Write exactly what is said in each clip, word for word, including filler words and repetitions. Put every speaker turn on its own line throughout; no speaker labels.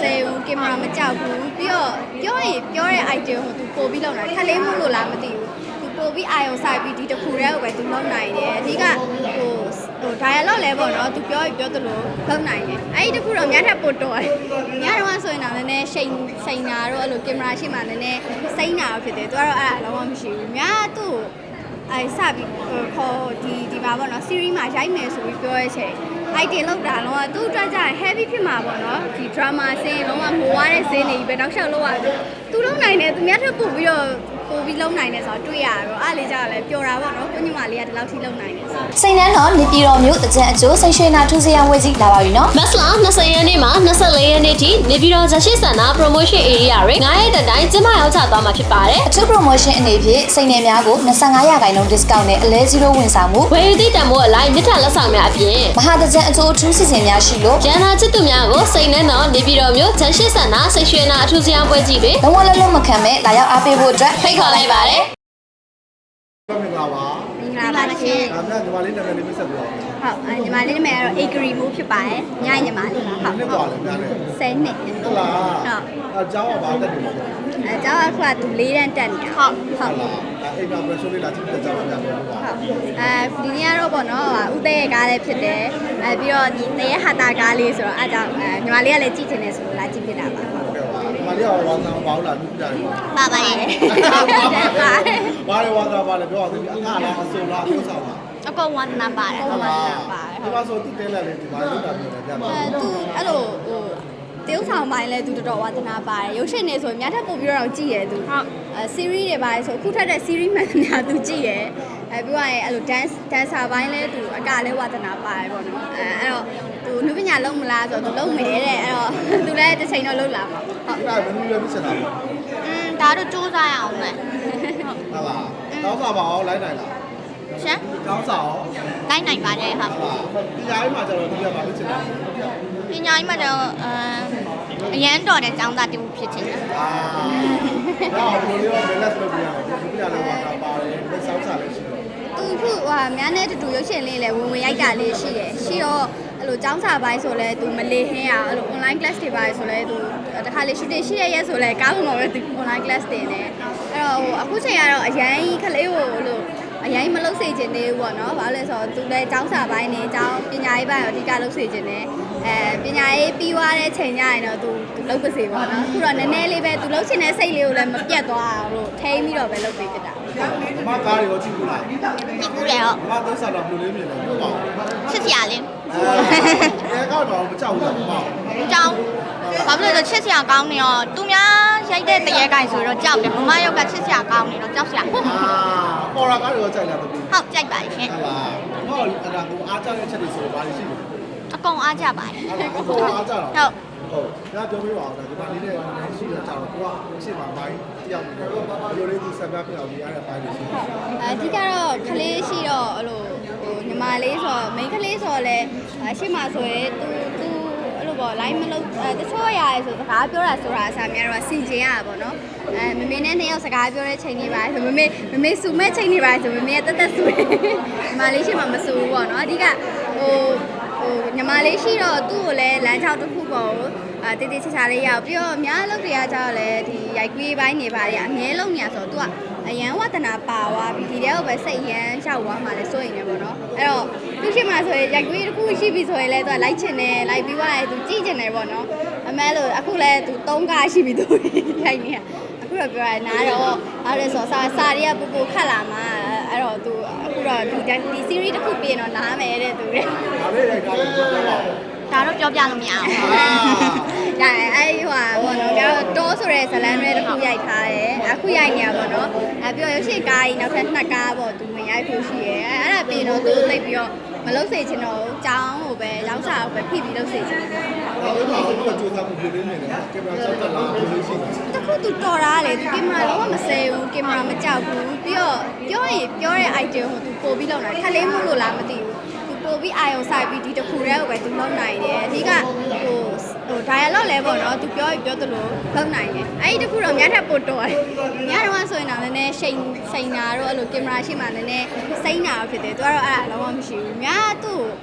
ဘူးကင်မရာမကြောက်ဘူးပြီးတော့ပြောရင်ပြောတဲ့ idea ကိုသူပို့ပြီးလုပ်နိုင်ခက်လေးမှုလို့လားမသိဘူးသူပို့ပြီးအာယုံဆိုင်ပြီးဒီတစ်ခုတည်းကိုပဲသူလုပ်နိုင်တယ်အဓိကဟိုဟို dialogue လဲပေါ့နော်သူပြောရင်ပြောသလိုလုပ်နိုင်တယ်အဲ့ဒီတစ်ခုတော့များထပ်ပို့တော့တယ်များတော့ဆိုရင်တော့နည်းနည်းရှိန်ရှိန်နာတော့အဲ့လိုကင်မရာရှိမှနည်းနည်းစိမ့်နာဖြစ်တယ်သူကတော့အဲ့ဒါလုံးဝမရှိဘူးများသူ့အဲစပြီးခေါ်ဒီဒီမှာပေါ့နော် series မှာရိုက်မယ်ဆိုပြီးပြောရတဲ့အချိန် idea လောက်တာတော့သူ့အတွက်ကျရင် heavy ဖြစ်မှာပေါ့နော်ဒီ drama scene လုံးဝမိုးွားတဲ့ scene တွေပဲတောက်လျှောက်လောက်ရတယ်သူလုံးနိုင်တယ်သူများထပ်ပို့ပြီးတော့ပို့ပြီးလုံးနိုင်တယ်ဆိုတော့တွေ့ရတော့အားလေးကြတော့လဲပျော်တာပေါ့နော်ကိုညီမလေးကဒီလောက်ထိလုံးနိုင်တယ်ဆို
စိန်နှန်းတော်နေပြည်တော်မြို့တကြံအကျိုးစိန်ရွှေနာထူးစရန်ဝေကြီးလာပါပြီနော်
မတ်လ၂၀ရက်နေ့မှာ၂၄ရက်နေ့ထိနေပြည်တော်ဇရှိစန္ဒ promotion area တွေငါးရက်တိုင်ကျင်းပရောက်ချသွားမှာဖြစ်ပါတယ်
အထူး promotion အနေဖြင့်စိန်နယ်များကို၂၅ရာခိုင်နှုန်း discount နဲ့အလဲzeroဝန်ဆောင်မှု
ဝယ်ယူသည့်တန်ဖိုးအလိုက်မြစ်ထလက်ဆောင်များအပြင်
မဟာတကြံအကျိုးအထူးစီစဉ်များရှိလို့
ရန်နာချစ်သူများကိုစိန်နှန်းတော်နေပြည်တော်မြို့ဇရှိစန္ဒစိတ်ရွှေနာအထူးစရန်ပွဲကြီးတွေ
လုံးဝလုံးလုံးမခံမဲ့လာရောက်အားပေးဖို့အတွက်
ဖိတ်ခေါ်လိုက်ပါတယ်
မင်္ဂလာပါ
မင်္ဂလာပါရှင်
ဒါမှညီမလေးနာမည်လေးပြဆက်ပြပါဦး
ဟုတ်ညီမလေးနာမည်ကတော့ Agri မိုးဖြစ်ပါတယ်ညညီမလေးပါ
ဟုတ်ဟုတ်ပါလေများလေ
ဆယ်နှစ်
ဟုတ်လားဟုတ်အเจ้าကဘာတက်နေလဲ
အเจ้าကခုကသူလေးတန်းတက်နေတာဟုတ်
ဟုတ်လားအဲ့ဒါ pressure လေးလာကြည့်တဲ့เจ้าကများတယ်ဟုတ်
အဲဒီနေ့ကတော့ပေါ့နော်ဥသေးရဲ့ကားလေးဖြစ်တယ်အဲပြီးတော့ဒီတရေဟာတာကားလေးဆိုတော့အဲကြောင့်ညီမလေးကလည်းကြည့်ချင်တယ်ဆိုလို့လာကြည့်ဖြစ်တာပါဟုတ်
ကဲ့ပါညီမလေးကဝါသနာဘာလို့လာကြည့်ကြတယ်
ပါပါရဲ့
ဘာလဲဝါသနာဘာလဲပြောအောင်ဒီအခါလားအစုံလားအပြောဆောင်လား
အကောင်ဝါသနာပါတယ်
ဟုတ်လားဒီမှာဆိုသူတဲလက်လေးဒီမှာလောက်တာပြောတယ်ကြာပါ
အဲသူအဲ့လိုဟိုတေးဥဆောင်ပိုင်းလဲသူတော်တော်ဝါသနာပါတယ်ရုပ်ရှင်နေဆိုရင်များထပ်ပို့ပြီးတော့ကြည့်ရဲသူဟုတ်အဲ series တွေပါတယ်ဆိုအခုထပ်တဲ့ series မှန်များသူကြည့်ရဲအဲပြီးတော့အဲ့လို dance dancer ပိုင်းလဲသူအကလဲဝါသနာပါတယ်ပေါ့နော်အဲအဲ့တော့သူလူပညာလုံးမလားဆိုတော့သူလုံးမယ်တဲ့အဲ့တော့သူလည်းတစ်ချိန်တော့လုံးလာမှာ
ဟုတ်အဲ့ဒါဘယ်လိုလဲပြချင်တာလဲ
อืมဒါတော့စူးစမ်းရအောင်မယ်
ဟုတ်လားတောင်းစားပါအောင်လိုက်နိုင်လား
ရှင်
တောင်းစားအောင်
လိုက်နိုင်ပါတယ်ဟုတ်
ပညာရေးမှာကျတော့ဒီကဘာလို့ချင်တာ
ပညာရေးမှာတော့အရန်တော်တဲ့ကျောင်းသားတူဖြစ်ချင်တယ်
အာတော့ဘယ်လိုလဲဘယ်လက်လုပ်ပြရအောင်ဒီပညာလုံးမှာပါတယ်လက်ဆောက်စားလည်းရှိတယ်
သူခုဟာများနဲ့တူတူရုပ်ရှင်လေးလည်းဝင်ဝင်ရိုက်တာလေးရှိတယ်ရှိတော့အဲ့လိုကျောင်းစာပိုင်းဆိုလဲသူမလေးဟင်းရအဲ့လို online class တွေပါတယ်ဆိုလဲသူတခါလေ shooting ရှိရရဲဆိုလဲကားပေါ်မှာပဲသူ online class တင်တယ်အဲ့တော့ဟိုအခုချိန်ကတော့အရန်ခလေးကိုလို့အရင်မလုပ်စေချင်သေးဘူးပေါ့နော်။ဘာလို့လဲဆိုတော့သူလည်းကျောင်းစာပိုင်းနဲ့ကျောင်းပညာရေးပိုင်းကိုအဓိကလုပ်စေချင်တယ်။အဲပညာရေးပြီးသွားတဲ့ချိန်ကျရင်တော့သူသူလုပ်ပါစေပေါ့နော်။အခုတော့နည်းနည်းလေးပဲသူလုပ်ချင်တဲ့စိတ်လေးကိုလည်းမပြတ်သွားအောင်လို့ထိန်းပြီးတော့ပဲလုပ်ပေးကြတာ
။အမကားတွေရောကြည့်ဘူးလား။
ကြည့်ဘူးလေဟုတ်
။အမသုံးစားတော့ဘယ်လိုလေးမြင်လဲပြောပါဦး
။ချစ်စရာလေး
။အဲကတော့မကြောက်ဘူးလားမပေါ့
။ကြောက်။ဘာလို့လဲဆိုချစ်စရာကောင်းနေရောသူများရိုက်တဲ့တရေကိုင်ဆိုတော့ကြောက်တယ်။မမရုပ်ကချစ်စရာကောင်းနေတော့ကြောက်စရာ။အာ
ပေါ်လာကားတွေရောကြိုက်လားတပီး
။ဟုတ်ကြိုက်ပါရှင်
။ဟုတ်လား။ဟောအဲ့ဒါကိုအားကြတဲ့ချက်တွေဆိုတော့ဘာတွေရှိလဲ
။အကုန်အားကြပါတယ်
။အဲ့ဒါအကုန်အားကြတော့
။ဟုတ်
ဟုတ်ဒါပြောပြပါဦးဒါဒီမှာနေတဲ့ရှိရကြတော့ကိုကအရှိမပိုင်းတယောက်နေတော့ဘယ်လိုလေးသူဆက်ပြပြအောင်ဒီအားရပိုင်းတွေရှိတယ်
အဓိကတော့ကလေးရှိတော့အဲ့လိုဟိုညီမလေးဆိုတော့ main ကလေးဆိုတော့လဲအရှိမဆိုရဲသူသူအဲ့လိုပေါ့ line မလုပ်အဲတချို့ရရဲဆိုစကားပြောတာဆိုတာအစားများတော့စီကျင်ရတာပေါ့နော်အဲမမေနဲ့နှစ်ယောက်စကားပြောတဲ့ချိန်တွေပါဆိုမမေမမေစုမဲ့ချိန်တွေပါဆိုမမေတက်တက်ဆူတယ်ညီမလေးရှိမှမဆူဘူးပေါ့နော်အဓိကဟိုဟိုညီမလေးရှိတော့သူ့ကိုလည်းလမ်းချောက်တစ်ခုပေါ့အာတေးသေးချာချာလေးရအောင်ပြီးတော့အများလုပ်တွေကကြောက်လဲဒီရိုက်ကွေးပိုင်းနေပါလေအမြဲလုံးညာဆိုတော့ तू ကအရန်ဝတနာပါသွားပြီးဒီတဲ့ကိုပဲစိတ်ရန်ရှောက်သွားမှလည်းစိုးရင်လည်းပေါ့နော်အဲ့တော့သူရှိမှဆိုရင်ရိုက်ကွေးတစ်ခုရှိပြီဆိုရင်လည်း तू ကလိုက်ချင်တယ်လိုက်ပြီးသွားတယ် तू ကြည့်ချင်တယ်ပေါ့နော်အမဲလို့အခုလည်း तू သုံးကားရှိပြီ तू ရိုက်နေအခုတော့ပြောရနားတော့အဲ့ဒါဆိုစာစာတွေကပူပူခတ်လာမှအဲ့တော့ तू အခုတော့ဒီဒီ series တစ်ခုပြင်တော့နားမယ်တဲ့ तू တဲ့
ဒါလေးရိုက်တာလည်းပြောပြပါဦး
ဒါတော့ပြောပြလို့မရအောင်။ဒါအဲ့ဟိုဟာဘောနော်ကျွန်တော်တောဆိုတဲ့ဇလန်တွေတစ်ခုရိုက်ထားတယ်။အခုရိုက်နေရပါတော့။အဲပြီးတော့ရုပ်ရှင်ကားကြီးနောက်ထပ်နှစ်ကားပေါ့သူဝင်ရိုက်ဖို့ရှိရဲ။အဲ့ဒါပြီးတော့သူသိပြီးတော့မလုပ်စေချင်တော့ဘူး။ကျောင်းကိုပဲရောက်စာကိုပဲဖိပြီးလုပ်စေချင်တယ်
။ဟုတ်ပါဘူး။သူကစူးစမ်းမှုပြုနေတယ်။ကင်မရာဆက်တက်လာဘယ်လိုရှိလဲ
။တခုသူတော်တာလေသူကင်မရာလုံးဝမဆဲဘူး။ကင်မရာမကြောက်ဘူး။ပြီးတော့ပြောရင်ပြောတဲ့ idea ကိုသူပို့ပြီးလုပ်နိုင်ခက်လေးမှုလို့လားမသိဘူး။ပို့ပြီးအာယုံဆိုင်ပြီးဒီတစ်ခုတည်းကိုပဲသူလုပ်နိုင်တယ်အဓိကဟိုဟို dialogue လဲပေါ့နော်သူပြောရင်ပြောသလိုလုပ်နိုင်တယ်အဲ့ဒီတစ်ခုတော့များထပ်ပို့တော့တယ်များတော့ဆိုရင်တော့နည်းနည်းရှိန်ရှိန်နာတော့အဲ့လိုကင်မရာရှိမှနည်းနည်းစိမ့်နာဖြစ်တယ်သူကတော့အဲ့ဒါလုံးဝမရှိဘူးများသူ့ဟ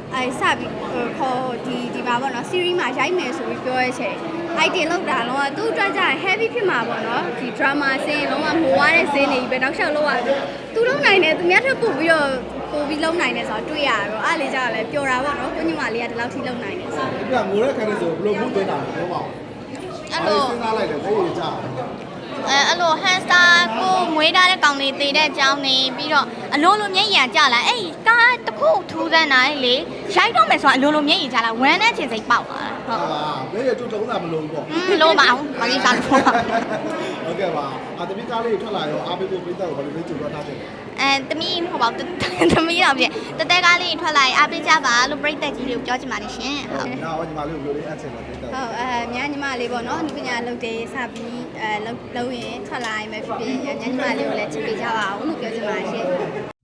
အဲစပြီးခေါ်ဒီဒီမှာပေါ့နော် series မှာရိုက်မယ်ဆိုပြီးပြောရချင် item လောက်တာလုံးဝသူ့အတွက်ကြရင် heavy ဖြစ်မှာပေါ့နော်ဒီ drama scene လုံးဝမိုးွားတဲ့ scene တွေပဲနောက်လျှောက်လောက်ရသူလုံးနိုင်တယ်သူများထပ်ပို့ပြီးတော့ပို့ပြီးလုံးနိုင်တယ်ဆိုတော့တွေ့ရတော့အားလေးကြတော့လဲပျော်တာပေါ့နော်ကိုညီမလေးကဒီလောက်ထိလုံးနိုင်တယ်ဆို
ဒီကငိုတဲ့ခါနဲ့ဆိုဘယ်လိုမှုသွင်းတာလဲပြောပါဦးအဲ့လိုစဉ်းစားလိုက်တယ်ဘယ်လိုကြာ
အဲအဲ့လို hamster ကိုမွေးထားတဲ့ကောင်လေးတည်တဲ့အကြောင်းနေပြီးတော့အလိုလိုမျက်ရည်ကျလာအဲ့ကားတစ်ခုထူးဆန်းတာလေရိုက်တော့မယ်ဆိုတော့အလိုလိုမျက်ရည်ကျလာဝမ်းနဲ့ချင်စိတ်ပေါက်သွားတာဟုတ်
ဟာဘယ်ရတူတုံးတာမလို့ပေါ့
မလို့ပါဘူးမလေးစားလို့
ဟုတ်ကဲ့ပါအတမီကားလေးထွက်လာရောအားပေးဖို့ပြတ်တော့ဘယ်လိုလဲကြိုးတော့ထားတယ်
အဲတမီးမဟုတ်ပါဘူးတမီးတော့ပြတတဲကားလေးထွက်လာရင်အားပေးကြပါလို့ပြိတ္တကြီးတွေကိုပြောချင်ပါတယ်ရှင်ဟုတ်
နောက်ညီမလေးကိုဘယ်လိုလဲအချက်လဲပြတ်တော့
ဟုတ်အဲမြန်ညီမလေးပေါ့နော်ဒီပညာလုပ်တယ်စပြီးအဲလုပ်လုပ်ရင်ထွက်လာရင်ပဲဖြစ်ဖြစ်မြန်ညီမလေးကိုလည်းချစ်ပေးကြပါအောင်လို့ပြောချင်ပါတယ်ရှင်